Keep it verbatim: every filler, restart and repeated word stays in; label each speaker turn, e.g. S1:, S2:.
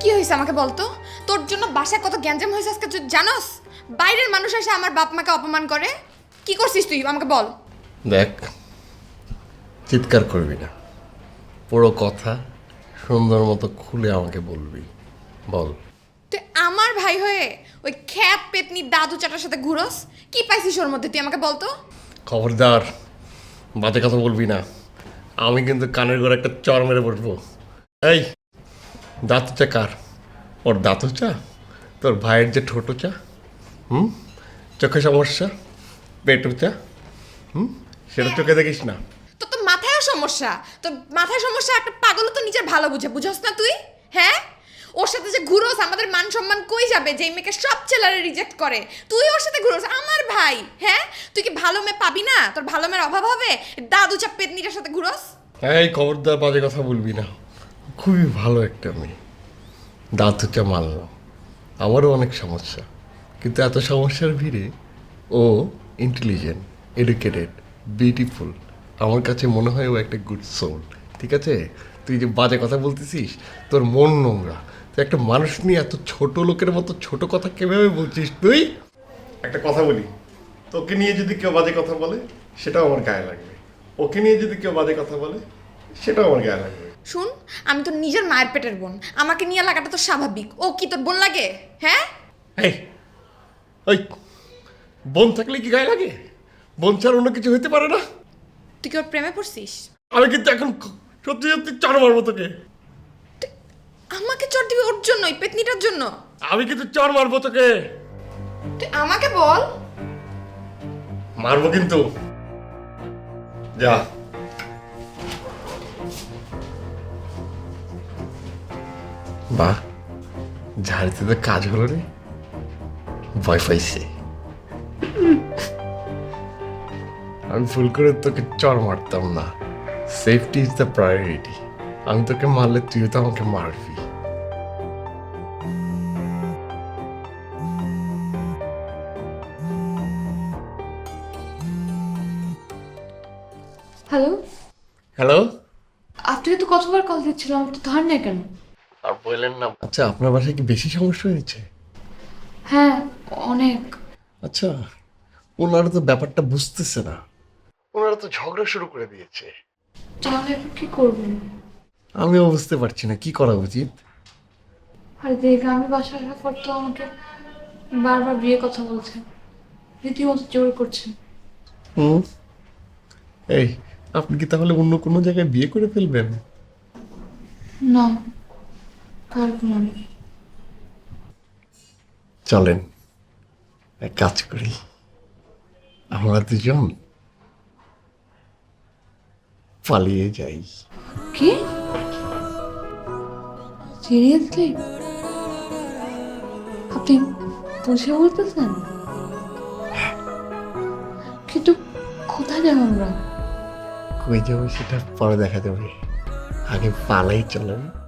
S1: কি হয়েছে আমাকে বলতো? তোর জন্য বাসায় কত গ্যাঞ্জাম হয়েছে আজকে তুই জানোস? বাইরের মানুষ এসে আমার বাপ মাকে অপমান করে। কি করছিস তুই আমাকে বল।
S2: দেখ, চিৎকার করবি না, পুরো কথা সুন্দর মতো খুলে আমাকে বলবি। বল।
S1: তুই আমার ভাই হয়ে ওই খ্যাত পেতনি দাদু চাটার সাথে ঘুরোস? কি পাইছিস ওর মধ্যে তুই আমাকে বলতো?
S2: খবরদার, বাজে কথা বলবি না, আমি কিন্তু কানের ঘরে একটা চর মেরে বসবো। এই, দাঁত চা কার? ওর দাঁত চা? তোর ভাইয়ের যে ঠোঁটো চা? হুম, চোখে সমস্যা, পেটও চা? হুম, সেটা চোখে দেখিস না?
S1: তোর তো মাথায়ও সমস্যা। তোর মাথায় সমস্যা। একটা পাগল তো নিজের ভালো বুঝে, বুঝোস না তুই? হ্যাঁ, ওর সাথে যে ঘুরোস আমাদের মান সম্মান কই যাবে? যেই মেয়েকে সব ছেলেরা রিজেক্ট করে তুই ওর সাথে ঘুরোস, আমার ভাই। হ্যাঁ, তুই কি ভালো মেয়ে পাবি না? তোর ভালো মেয়ের অভাব হবে? দাদু চাপ পেতনিটার সাথে ঘুরোস?
S2: এই খবরদার, বাজে কথা বলবি না, খুবই ভালো একটা মেয়ে, দাঁত চা মানলাম, আমারও অনেক সমস্যা, কিন্তু এত সমস্যার ভিড়ে ও ইন্টেলিজেন্ট, এডুকেটেড, বিউটিফুল, আমার কাছে মনে হয় ও একটা গুড সোল। ঠিক আছে, তুই যে বাজে কথা বলতেছিস, তোর মন নোংরা, তুই একটা মানুষ নিয়ে এত ছোট লোকের মতো ছোট কথা কিভাবে বলছিস তুই? একটা কথা বলি, তোকে নিয়ে যদি কেউ বাজে কথা বলে সেটাও আমার গায়ে লাগবে, ওকে নিয়ে যদি কেউ বাজে কথা বলে সেটাও আমার গায়ে লাগবে।
S1: শুন, আমি তোর নিজের মায়ের পেটের বোন, আমাকে নিয়ে লাগাটা তো স্বাভাবিক। ও কি তোর বোন লাগে? হ্যাঁ,
S2: এই, ওই বোন থাকলে কি গায়ে লাগে? বোন ছাড়া অন্য কিছু হইতে পারে না?
S1: তুই কি ওর প্রেমে পড়ছিস?
S2: আমি কিন্তু এখন সত্যি সত্যি চড় মারবো তোকে।
S1: আমাকে চট দিবি ওর জন্য, ওই পেতনিটার জন্য?
S2: আমি কিন্তু চড় মারবো তোকে।
S1: তুই আমাকে বল।
S2: মারবো কিন্তু, যা। বাহ, ঝাড়িতে তো কাজ হলো রে, ভয় পাইছে। আমি ভুল করে তোকে চড় মারতাম না, সেফটি ইজ দ্য প্রায়োরিটি। আমি তোকে মারলে তুইও তো আমাকে মারবি।
S3: Hello,
S2: hello.
S3: আপনাকে তো কতবার কল দিচ্ছিলাম, আপনি ধর না কেন?
S2: আর বললেন না। আচ্ছা, আপনার বাসায় কি বেশি সমস্যা হয়েছে?
S3: হ্যাঁ, অনেক।
S2: আচ্ছা, ওনারা তো ব্যাপারটা বুঝতেছে না, ওনারা তো ঝগড়া শুরু করে দিয়েছে।
S3: তাহলে এখন কি করবেন?
S2: আমিও বুঝতে পারছি না কি করা উচিত।
S3: আর দেখ, আমি বাসায় আসার পর তো আমাকে বারবার বিয়ে কথা বলছেন, রীতিমতো জোর করছেন।
S2: হুম, এই, আপনি কি তাহলে অন্য কোনো জায়গায় বিয়ে করে ফেলবেন?
S3: না, পারবো না আমি।
S2: চলেন এক কাজ করি, আমরা দুজন পালিয়ে যাই।
S3: কি? সিরিয়াসলি? আপনি বুঝে বলতেছেন? কিন্তু কোথায় যাবো আমরা?
S2: কই যাবো সেটা পরে দেখা যাবে, আগে পালাই, চলেন।